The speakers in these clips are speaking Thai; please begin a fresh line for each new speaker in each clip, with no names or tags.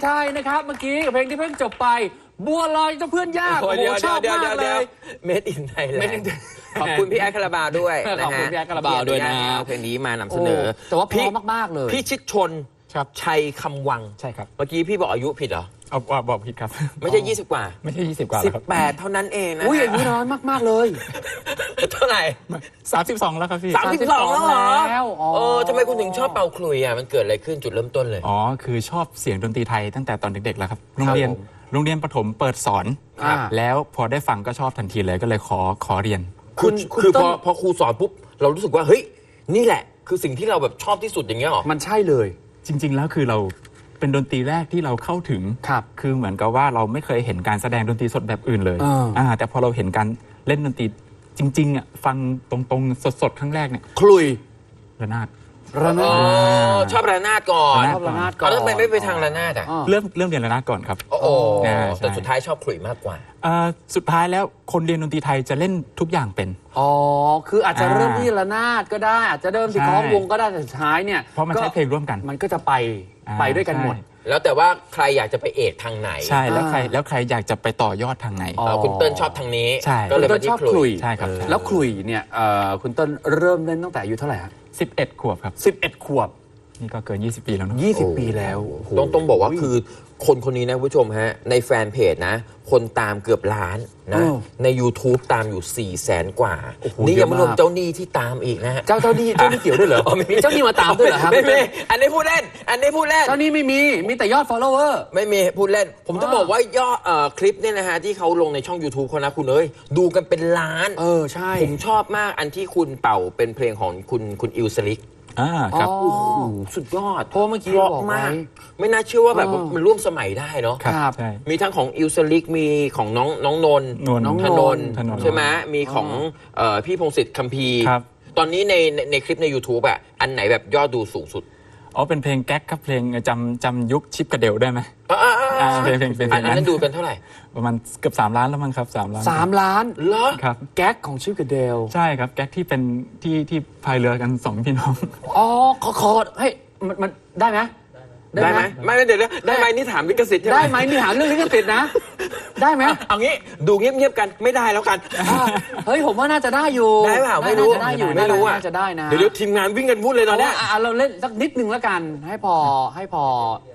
ไทยนะครับเมื่อกี้กับเพลงที่เพิ่งจบไปบัวลอยเจ้าเพื่อนยากโอ้โหชอบมากเลย
เมดอินไทยแลนด์ขอบคุณพี่แอดคาราบาวด้วยนะฮะ
ขอบคุณพี่แอดคาราบาวด้วยนะ
เพลงนี้มานำเสนอ
แต่ว่าเพราะมากๆเลย
พี่ชิดชนชัยคำวัง
ใช่ครับ
เมื่อกี้พี่บอกอายุผิดเหรอ
บอกผิดครับ
ไม่ใช่20 กว่า
ไม่ใช่20 กว่าครับ
18เท่านั้นเองนะ
อุ้ยอายุน้อยมากๆเลย
เท่าไหร่
32แล้วครับพี่
32แล้วเหรอทำไมคุณถึงชอบเป่าขลุ่ยอ่ะมันเกิดอะไรขึ้นจุดเริ่มต้นเลย
คือชอบเสียงดนตรีไทยตั้งแต่ตอนเด็กๆแล้วครับโรงเรียนประถมเปิดสอนแล้วพอได้ฟังก็ชอบทันทีเลยก็เลยขอเรียน
คือพอครูสอนปุ๊บเรารู้สึกว่าเฮ้ยนี่แหละคือสิ่งที่เราแบบชอบที่สุดอย่างเงี้ยหรอ
มันใช่เลย
จริงๆแล้วคือเราเป็นดนตรีแรกที่เราเข้าถึงคือเหมือนกับว่าเราไม่เคยเห็นการแสดงดนตรีสดแบบอื่นเลยแต่พอเราเห็นการเล่นดนตรีจริงๆอ่ะฟังตรงๆสดๆครั้งแรกเนี่ย
ขลุ่ย
ระนาด
ชอบระนาดก่อน
ชอบระนาดก่อน
แล้วทำไมไม่ไปทางระนาดอ่ะ
เริ่มเรียนระนาดก่อนครับ
แต่สุดท้ายชอบขลุ่ยมากกว่า
สุดท้ายแล้วคนเรียนดนตรีไทยจะเล่นทุกอย่างเป็น
คืออาจจะเริ่มที่ระนาดก็ได้อาจจะเริ่มที่คล้องวงก็ได้แต่สุดท้ายเนี่ย
เพราะมันใช้เพลงร่วมกัน
มันก็จะไปด้วยกันหมด
แล้วแต่ว่าใครอยากจะไปเอกทางไหน
ใช่แล้วใครอยากจะไปต่อยอดทางไหน
คุณเติ้ลชอบทางนี้
ก็เลยชอบขลุ่ย
ใช่ครับ
แล้วขลุ่ยเนี่ยคุณเติ้ลเริ่มเล่นตั้งแต่อายุเท่าไหร่ครับ
11 ขวบครับ
11 ขวบ
นี่ก็เกิน20 ปีแล้วนะ
20 ปีแล้ว
ต้องบอกว่าคือคนนี้นะผู้ชมฮะในแฟนเพจนะคนตามเกือบล้านนะใน YouTube ตามอยู่400,000 กว่านี่ยังไม่รวมเจ้าหนี้ที่ตามอีกนะฮะ
เจ้าหนี้เกี่ยวด้วยเหรอมีเจ้าหนี้มาตามด้วยเหรอครับ
ไม่มีอันนี้พูดเล่น
เจ้าหนี้ไม่มีแต่ยอด follower
ไม่มีพูดเล่นผมจะบอกว่ายอดคลิปเนี่ยนะฮะที่เขาลงในช่อง YouTube เขานะคุณเอ้ยดูกันเป็นล้าน
ใช่
ผมชอบมากอันที่คุณเป่าเป็นเพลงของคุณอิลสลิก
ครับ
โอ้โหสุดยอด
เพราะเมื่อกี้บอกมาก
ไม่น่าเชื่อว่าแบบมันร่วมสมัยได้เนาะ
ครับ
มีทั้งของอิลสลิกมีของน้องนนธนนใช่ไหมมีของพี่พงศิษฐ์คัมภีร์ตอนนี้ในคลิปใน YouTube อ่ะอันไหนแบบยอดดูสูงสุด
เป็นเพลงแก๊กครับเพลงจำยุคชิปกระเดวได้ไหม
เพลงอันนั้นดูกันเท่าไหร่
ประมาณเกือบ3 ล้านแล้วมั้งครับ3 ล้าน
3 ล้าน
เหรอ
ครับ
แก๊กของชิปกระเดว
ใช่ครับแก๊กที่เป็นที่พายเรือกัน2 พี่น้อง
ขอให้มันได้ไหม
ไม่เดี๋ยวได้ไหมนี่ถามลิขสิทธิ์ใช่ไหม
ได้ไหมนี่ถามเรื่องลิขสิทธิ์นะได้ไหม
เอางี้ดูเงียบๆกันไม่ได้แล้วกัน
เฮ้ยผมว่าน่าจะได้อยู่
ได้เปล่าไม่รู้
น่าจะได้นะ
เดี๋ยวทีมงานวิ่งกันวุ่นเลยตอนนี้
เราเล่นสักนิดนึงแล้วกันให้พอ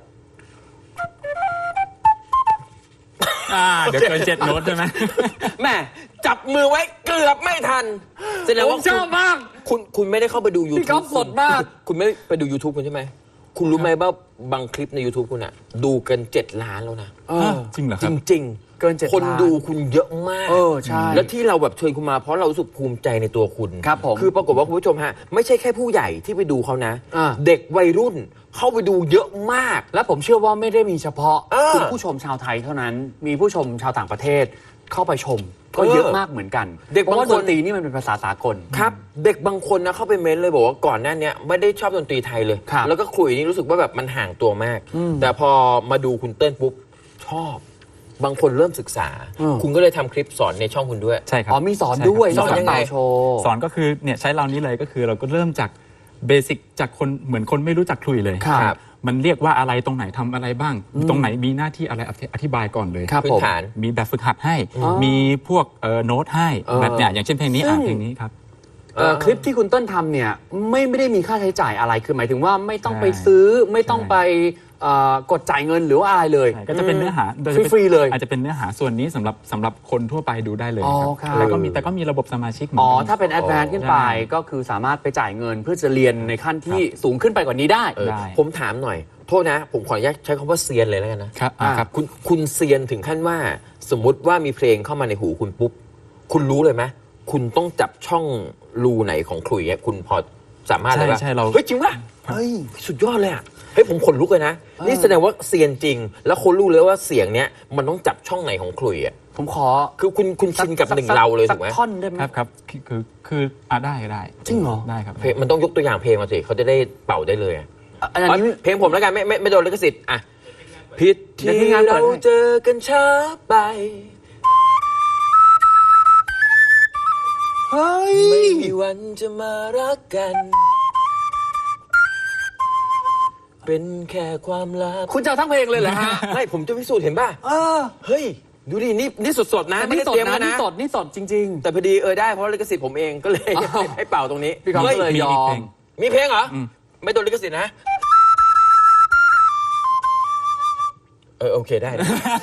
เดี๋ยวเกิน7 โน้ตใช่ไหม
แม่จับมือไว้เกือบไม่ทันแสดงว่า
ชอบมาก
คุณไม่ได้เข้าไปดู YouTube
พี่ก๊อฟสดมาก
คุณไม่ไปดู YouTube คุณใช่ไหมคุณรู้ไหมว่าบางคลิปใน YouTube คุณอะดูกัน7 ล้านแล้วนะ
จริงเหรอ
ครับจริง
เกิน7 ล้าน
คนดูคุณเยอะมาก
ใช่
แล้วที่เราแบบเชิญคุณมาเพราะเรารู้สึกภูมิใจในตัวคุณ
ครับผม
คือปรากฏว่าคุณผู้ชมฮะไม่ใช่แค่ผู้ใหญ่ที่ไปดูเขานะเด็กวัยรุ่นเข้าไปดูเยอะมาก
และผมเชื่อว่าไม่ได้มีเฉพาะคุณผู้ชมชาวไทยเท่านั้นมีผู้ชมชาวต่างประเทศเข้าไปชมก็เยอะมากเหมือนกัน
เด็กบางคน
ดนตรีนี่มันเป็นภาษาสากล
ครับเด็กบางคนนะเข้าไปเม้นเลยบอกว่าก่อนหน้านี้ไม่ได้ชอบดนตรีไทยเลยแล้วก็คุยนี่รู้สึกว่าแบบมันห่างตัวมากแต่พอมาดูคุณเติ้ลปุ๊บชอบบางคนเริ่มศึกษาคุณก็เลยทำคลิปสอนในช่องคุณด้วย
ใช่ครับ
มีสอนด้วย
สอนยังไง
สอนก็คือเนี่ยใช้เรานี้เลยก็คือเราก็เริ่มจากเบสิกจากคนเหมือนคนไม่รู้จักคลุยเลยมันเรียกว่าอะไรตรงไหนทำอะไรบ้างตรงไหนมีหน้าที่อะไรอธิบายก่อนเลย
พื้นฐาน
มีแบบฝึกหัดให้มีพวกโน้ตให้แบบเนี่ยอย่างเช่นเพลงนี้เพลงนี้ครับ
คลิปที่คุณต้นทำเนี่ยไม่ได้มีค่าใช้จ่ายอะไรคือหมายถึงว่าไม่ต้องไปซื้อไม่ต้องไปกดจ่ายเงินหรือว่าอะไรเลย
ก็จะเป็นเนื้อหา
ฟรีเลย
อาจจะเป็นเนื้อหาส่วนนี้สำหรับคนทั่วไปดูได้เลยครับแต่ก็มีระบบสมาชิก
ถ้าเป็นแอดวานซ์ขึ้นไปก็คือสามารถไปจ่ายเงินเพื่อจะเรียนในขั้นที่สูงขึ้นไปกว่านี้ได้
ผมถามหน่อยโทษนะผมขออนุญาตใช้คำว่าเซียนเลยแล้วกันนะครับคุณเซียนถึงขั้นว่าสมมุติว่ามีเพลงเข้ามาในหูคุณปุ๊บคุณรู้เลยไหมคุณต้องจับช่องรูไหนของขลุ่ยคุณพอสามารถเลยว่าเฮ้ยจริงป่ะเฮ้ยสุดยอดเลยอ่ะเฮ้ยผมขนลุกเลยนะนี่แสดงว่าเซียนจริงแล้วคนรู้เลยว่าเสียงเนี้ยมันต้องจับช่องไหนของขลุ่ยอ่ะ
ผมขอ
คือคุณชินกับหนึ่งเราเลยถูกไหม
ท่อนได้ไหม
ครับคือได้
จริงเหรอ
ได้ครับ
มันต้องยกตัวอย่างเพลงมาสิเขาจะได้เป่าได้เลยเพลงผมแล้วกันไม่โดนลิขสิทธิ์อ่ะผิดที่เราเจอกันช้าไปไม่มีวันจะมารักกันเป็นแค่ความลับ
คุณจะเอาทั้งเพลงเลยเหรอฮะ
ไม่ผมจะพิสูจน์เห็นป่ะ เฮ้ย ดูดินี่สดๆนะ
แต่
ไม่
นี่
ได้
สด
เตรียม
นะ
กัน
นี่
นะ
สดนี่สดจริง
แต่พอดีได้เพราะลิขสิทธิ์ผมเองก็เลย
อ้าว
ให้เป่าตรงนี้
พี่ก๊อฟก็เลย
มี
ยอ
อีกเพล
ม
ง
มีเพลงเหรอไม่โดนลิขสิทธิ์นะโอเคได้นะ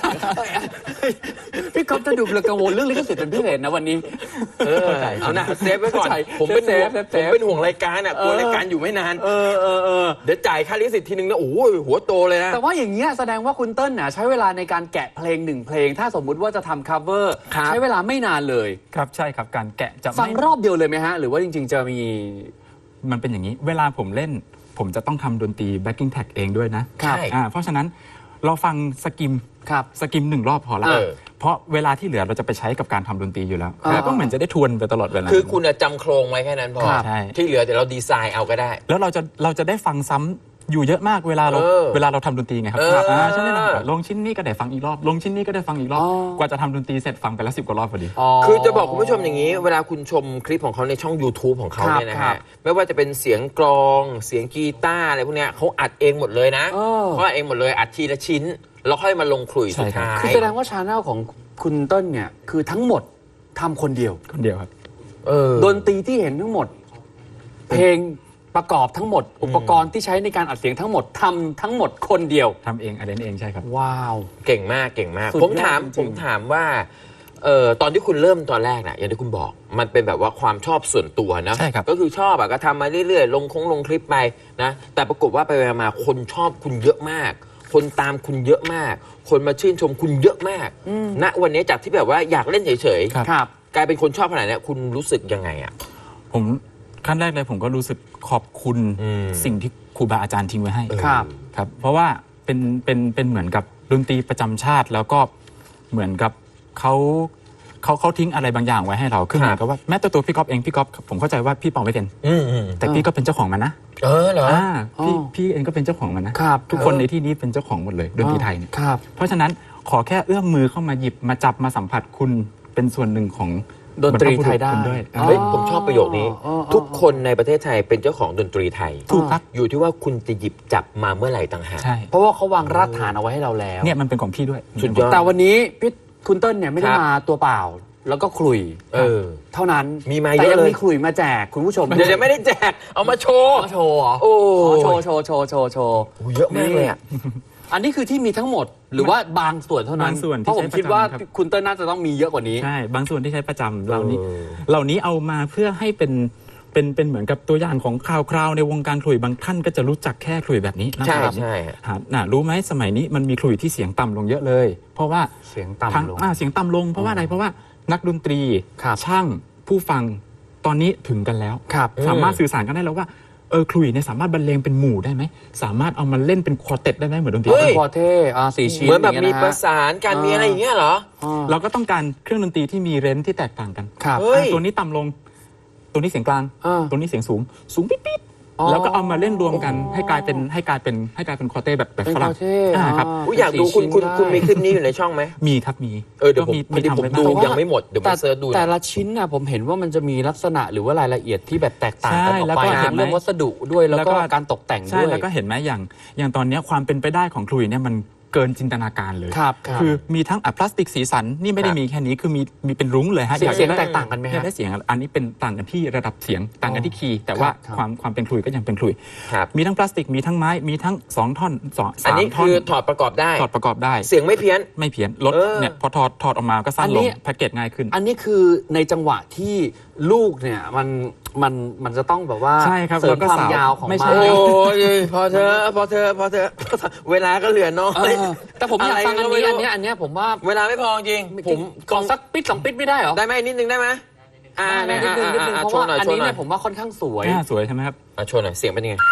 พี่ก๊อฟจะดูกังวลเรื่องลิขสิทธิ์เป็นพิเศษนะวันนี้
เอานะเซฟไว้ก่อน
เข้าใจ
ผมเป็นห่วง
เซฟ
ผมเป็นห่วงรายการกลัวรายการอยู่ไม่นานเดี๋ยวจ่ายค่าลิขสิทธิ์ทีนึงนะโอ้โหหัวโตเลยนะ
แต่ว่าอย่างเงี้ยแสดงว่าคุณเติ้ลน่ะใช้เวลาในการแกะเพลงหนึ่งเพลง ถ้าสมมุติว่าจะทำ cover
ครับ
ใช้เวลาไม่นานเลย
ครับใช่ครับการแกะจะ
ฟัง
ไม่
รอบเดียวเลยไหมฮะ หรือว่าจริง ๆ จะมี
มันเป็นอย่างนี้ เวลาผมเล่น ผมจะต้องทำดนตรี backing track เองด้วยนะครับ เพราะฉะนั้นเราฟังสกิม
ครับ
สกิม1 รอบพอละ เพราะเวลาที่เหลือเราจะไปใช้กับการทำดนตรีอยู่แล้วแล้วก็เหมือนจะได้ทวนไปตลอดเวลา
คือคุณจำโครงไว้แค่นั้นพอ
ใช่
ที่เหลือเดี๋ยวเราดีไซน์เอาก็ได้
แล้วเราจะได้ฟังซ้ำอยู่เยอะมากเวลาเราทำดนตรีไงครับใช่ไหมล่ะลงชิ้นนี้ก็ได้ฟังอีกรอบลงชิ้นนี้ก็ได้ฟังอีกรอบกว่าจะทำดนตรีเสร็จฟังไปแล้ว10 กว่ารอบพอดี
คือจะบอกคุณผู้ชมอย่างนี้ เวลาคุณชมคลิปของเขาในช่อง YouTube ของเขาเนี่ยนะ
ครั
ฮะ
บ
ไม่ว่าจะเป็นเสียงกลองเสียงกีตาร์อะไรพวกเนี้ยเขาอัดเองหมดเลยนะเขาอัดเองหมดเลยอัดทีละชิ้นแล้วค่อยมาลงขลุ่ยสุดท้าย
คือแสดงว่าชาแนลของคุณเติ้ลเนี่ยคือทั้งหมดทำคนเดียว
คนเดียวครับ
ดนตรีที่เห็นทั้งหมด เพลงประกอบทั้งหมด อุปกรณ์ที่ใช้ในการอัดเสียงทั้งหมดทำทั้งหมดคนเดียว
ทำเองอะไรเองใช่ครับ
ว้าว
เก่งมากเก่งมาก
สุดยอด
ผมถามว่าตอนที่คุณเริ่มตอนแรกนะอย่างที่คุณบอก มันเป็นแบบว่าความชอบส่วนตัวนะ
ใช่ครับ
ก็คือชอบก็ทำมาเรื่อยๆลงคลิปไปนะแต่ปรากฏว่าไปมาคนชอบคุณเยอะมาก คนตามคุณเยอะมาก คนมาชื่นชมคุณเยอะมากณวันนี้จากที่แบบว่าอยากเล่นเฉย
ครับ
ๆกลายเป็นคนชอบขนาดนี้คุณรู้สึกยังไงอ่ะ
ผมขั้นแรกเลยผมก็รู้สึกขอบคุณสิ่งที่ครูบาอาจารย์ทิ้งไว้ให้
ครับ
ครับ เพราะว่าเป็นเหมือนกับดนตรีประจำชาติแล้วก็เหมือนกับเขาทิ้งอะไรบางอย่างไว้ให้เราคือเหมือนกับว่าแม้แต่ตัวพี่ก๊อฟเองพี่ก๊อฟผมเข้าใจว่าพี่เป่าไม่เป็นแต่พี่ก็เป็นเจ้าของมันนะ
เหรอ
พี่เองก็เป็นเจ้าของมันนะ
ครับ
ทุกคนในที่นี้เป็นเจ้าของหมดเลยดนตรีไทยเนี่ย
ครับ
เพราะฉะนั้นขอแค่เอื้อมมือเข้ามาหยิบมาจับมาสัมผัสคุณเป็นส่วนหนึ่งของ
ดนตรีไทยได้
คุณด้วย
เฮ้ยผมชอบประโยคนี้ ทุกคนในประเทศไทยเป็นเจ้าของดนตรีไทย
ถูกครับ
อยู่ที่ว่าคุณจะหยิบจับมาเมื่อไหร่ต่างหาก
ใช่
เพราะว่าเขาวางรากฐานเอาไว้ให้เราแล้ว
เนี่ยมันเป็นของพี่ด้วย
สุดยอด
แต่วันนี้พี่คุณเติ้ลเนี่ยไม่ได้
ครับ
มาตัวเปล่า แล้วก็ขลุ่ย เท่านั้น
มีมา
แต่
เยอะ
ยัง
เลย
มีขลุ่ยมาแจกคุณผู้ชม
เดี๋ยวไม่ได้แจกเอามาโชว์
อ๋อโชว์เหรอ
โอ้
โชว์โชว์โชว์โชว์โชว์
โหเยอะมากเลยอ่ะ
อันนี้คือที่มีทั้งหมดหรือว่าบางส่วนเท่านั้น
บางส่วน
เพ
ที่
ราะผม
ใช้
คิดว่า
ประจำครับ
คุณเติ้ลน่าจะต้องมีเยอะกว่านี้
ใช่บางส่วนที่ใช้ประจำเหล่านี้เอามาเพื่อให้เป็นเหมือนกับตัวอย่างของคราวๆในวงการขลุ่ยบางท่านก็จะรู้จักแค่ขลุ่ยแบบนี้นะ
ใช่
ครับ
ใช่
รู้ไหมสมัยนี้มันมีขลุ่ยที่เสียงต่ำลงเยอะเลย เพราะว่า
เสียงต่ำลง
เสียงต่ำลงเพราะว่าอะไรเพราะว่านักดนตรี
ครับ
ช่างผู้ฟังตอนนี้ถึงกันแล้ว
ครับ
สามารถสื่อสารกันได้แล้วว่าขลุ่ยเนี่ยสามารถบรรเลงเป็นหมู่ได้ไหมสามารถเอามาเล่นเป็นควอเต็ตได้ไหมเหมือนดนตรี
เฮ้ย
ควอเท่สี่ชิ้น
เหมือนแบบ
ย่าง
มี
งี้ยนะ
ป
ฮะ
ระสานการมีอะไรอย่างเงี้ยเหรอ
เราก็ต้องการเครื่องดนตรีที่มีเรนจ์ที่แตกต่างกัน
ครับ
เฮ้ย
ตัวนี้ต่ำลง ตัวนี้เสียงกลาง ตัวนี้เสียงสูงปิ๊ดๆแล้วก็เอามาเล่นรวมกันให้กลายเป็นคอร์เต้แบบ
เป็น
ฝรั่ง
คอร์เต้
ครับ
อยากดูคุณ
สี่ชิ้นได้
มีคลิปนี้อยู่ในช่องไหม
มีครับมี
เดี๋ยวผมพอดี
ทำ
ผม
ไว้
ดู
บ้าง
ยังไม่หมดเดี๋ยวผมเสิร์ชดูนะ
แต่ละชิ้นน่ะผมเห็นว่ามันจะมีลักษณะหรือว่ารายละเอียดที่แบบแตกต่างกันออก
แล้ว
ไป
ก็
นะ
เห็นไหม
เรื่องวัสดุด้วยแล้ว
แล้วก็
ก็การตกแต่ง
ใช่
ด้วย
แล้วก็เห็นไหมอย่างตอนเนี้ยความเป็นไปได้ของขลุ่ยเนี่ยมันเกินจินตนาการเลย
ครับ
คือมีทั้งพลาสติกสีสันนี่ไม่ได้มีแค่นี้คือมีเป็นรุ้งเลยฮะ
เสียง
อาก
เสียง
ได้
แตกต่างกันไหม
เนี่ย
ฮะ
ได้เสียงอันนี้เป็นต่างกันที่ระดับเสียงต่างกันที่คีย์แต่ว่า
ครับ
ความเป็นขลุ่ยก็ยังเป็นขลุ่ย
ครับ
มีทั้งพลาสติกมีทั้งไม้มีทั้ง2 ท่อน
อัน
3
นี้
ท่อน
คือถอดประกอบได้
ถอดประกอบได้
เสียงไม่เพี้ยน
ไม่เพี้ยนลด
เออ
เนี่ยพอถอดออกมาก็สั้น
อัน
ล
นี้
งแพ็กเกจง่ายขึ้น
อันนี้คือในจังหวะที่ลูกเนี่ยมันจะต้องแบบว่า
ใช่ครับ
เสริม
แล้วก็
ความ
สาวย
าวของ
ไม่ใช่
ไม้
โอ้ยพอเธอเวลาก็เหลือน้อ
เอย อแต่ผมอยากฟังอันนี้
อะไรก็
อัน
ไม่รู้
เนี้ยผมว่า
เวลาไม่พอจริงผม
ขอสักปิด2 ปิดไม่ได้เหรอ
ได้ไหมนิดนึงได้ไหม
ได้
เนี่ย
นิดนึงเพราะ
โชว์
ว่า
หน่อย
อัน
โชว์
นี้
หน่อ
เนี่ย ยผมว่าค่อนข้างสวย
สวยใช่ไหมครับ
โชว์หน่อยเสียงเป็นยังไง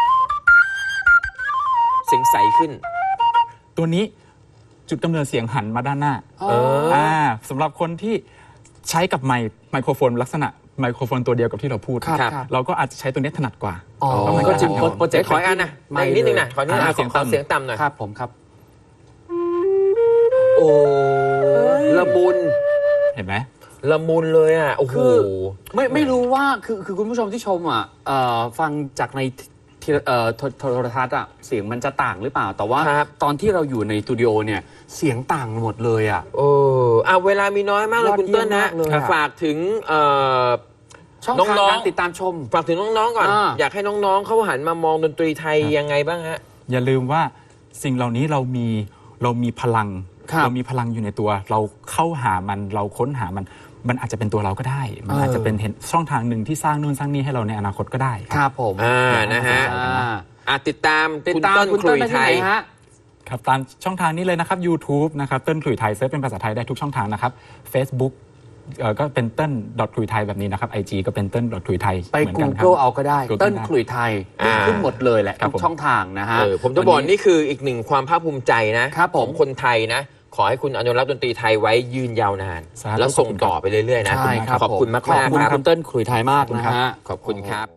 เสียงใสขึ้น
ตัวนี้จุดกำเนิดเสียงหันมาด้านหน้า สำหรับคนที่ใช้กับไมโครโฟนลักษณะไมโครโฟนตัวเดียวกับที่เราพูด
ครับ
เราก็อาจจะใช้ตัวนี้ถนัดกว่า
อ๋อ
เพราะมัน
ก็
ก็
จริง
จะ
โปรเจกต์
ขออีกอันนะอีกนิดนึงนะขอนิดนึง
เสียง
ขอ
ต่ำ
เสียงต่ำหน่อย
ครับผมครับ
โอ้ละมุน
เห็นไหม
ละมุนเลยอ่ะโอ้โห
คือ ไม่รู้ว่าคือคุณผู้ชมที่ชมอ่ะฟังจากในทโทรทัศน์อะเสียงมันจะต่างหรือเปล่าแต่ว่า
ครับ
ตอนที่เราอยู่ในสตูดิโอเนี่ยเสียงต่างหมดเลยอะ
เวลามีน้อยมากเลย
ยอด
คุณเติ้ลนะ
เยี่ยมมากเลยอะ
ฝากถึง
ช่องทาง
น้องๆ
การติดตามชม
ฝากถึงน้องๆก่อน อยากให้น้องๆเขาหันมามองดนตรีไทยยังไงบ้างฮะ
อย่าลืมว่าสิ่งเหล่านี้เรามีพลัง
ครับ
เรามีพลังอยู่ในตัว เราเข้าหามันเราค้นหามันอาจจะเป็นตัวเราก็ได้ มันอาจจะเป็นเห็นช่องทางหนึ่งที่สร้างนู่นสร้างนี่ให้เราในอนาคตก็ได้
ครับผม
นะฮะ ติดตาม
ติด
คุณ
ตาม
เติ้ล
คุณ
ขลุ่
เติ้ล
ย
ได้
ไท
ที่ไหน
ย
ฮะ
ครับตามช่องทางนี้เลยนะครับ YouTube นะครับเติ้ลขลุ่ยไทยเซิร์ชเป็นภาษาไทยได้ทุกช่องทางนะครับ Facebook ก็เป็นเติ้ลขลุ่ยไทยแบบนี้นะครับ IG ก็เป็นเติ้ลขลุ่ยไทย
ไป
เหมือนกันครับ
Google เอาก็ได้
Google
เติ้ล
ได้
ขลุ่ยไทย ขึ้นหมดเลยแหละ
ครับ
ทุกช่องทางนะฮะ
ผมจะบอกนี่คืออีกหนึ่งความภาคภูมิใจนะครับ
ผ
ข
ม
องคนไทยนะ ขอให้คุณอนุรักษ์ดนตรีไทยไว้ยืนยาวนาน
สาธุ
แล้วส่งต่อไปเรื่อยๆนะ
ใช่ครับ
ขอบคุณมาก
ขอบคุณ
ๆครับ
คุณเติ้ลขลุ่ยไทยมากนะฮะ
ขอบคุณครับ